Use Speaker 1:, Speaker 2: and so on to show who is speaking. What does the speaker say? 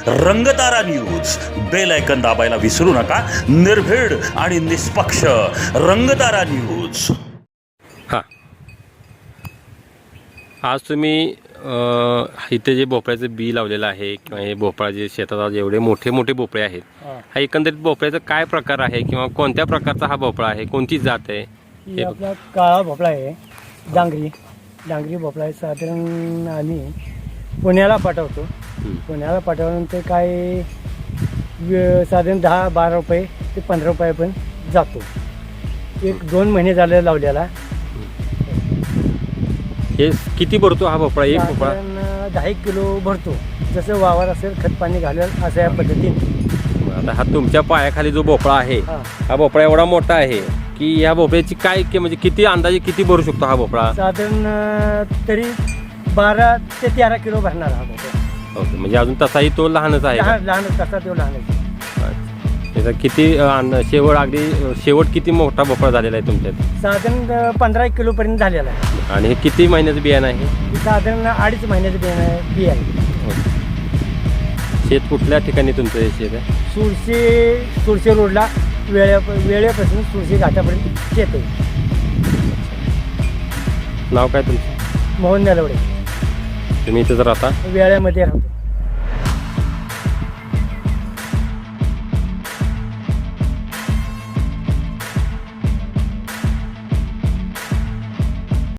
Speaker 1: रंगतारा news. Bell icon दाबायला विसरू नका. निर्भीड आणि निष्पक्ष रंगतारा न्यूज.
Speaker 2: हां, आज तुम्ही इथे जे भोपळ्याचं बी लावलेलं आहे किंवा हे भोपळा जे शेतात आज एवढे मोठे मोठे भोपळे आहेत, हा एकंदरीत भोपळ्याचा काय प्रकार आहे किंवा कोणत्या प्रकारचा हा भोपळा आहे, कोणती जात आहे?
Speaker 3: हे आपला काळा भोपळा आहे, डांगरी भोपळा आहे. साधारण आम्ही पुण्याला पाठवतो. पुण्याला पाठवल्यानंतर काय साधारण 10-12 रुपये ते 15 रुपये पण जातो. 1-2 महिने झाले लावलेला.
Speaker 2: हे किती भरतो हा भोपळा? एक भोपळा
Speaker 3: 10 किलो भरतो. जसं वावर असेल खत पाणी घालेल अशा या पद्धतीने.
Speaker 2: आता हा तुमच्या पायाखाली जो भोपळा आहे, हा भोपळा एवढा मोठा आहे की ह्या भोपळ्याची काय म्हणजे किती अंदाजे किती भरू शकतो हा भोपळा?
Speaker 3: साधारण तरी 12 ते 13 किलो भरणार हा भोपळा.
Speaker 2: ओके, म्हणजे अजून तसाही तो लहानच आहे का?
Speaker 3: लहानच तसा तो लहानच.
Speaker 2: त्याचा किती शेवट किती मोठा भोपळा झालेला आहे तुमच्यात?
Speaker 3: साधारण 15 किलो पर्यंत झालेला आहे.
Speaker 2: आणि हे किती महिन्याचं बियाणं आहे?
Speaker 3: साधारण 2.5 महिन्याचं बी आहे.
Speaker 2: शेत कुठल्या ठिकाणी तुमचं हे शेत आहे?
Speaker 3: सुरशे रोडला वेळेपासून सुरशे घाटापर्यंत शेत आहे.
Speaker 2: नाव काय तुमचं?
Speaker 3: मोहन नलवडे.
Speaker 2: तुम्ही इथंच राहता?
Speaker 3: वेळेमध्ये राहतो.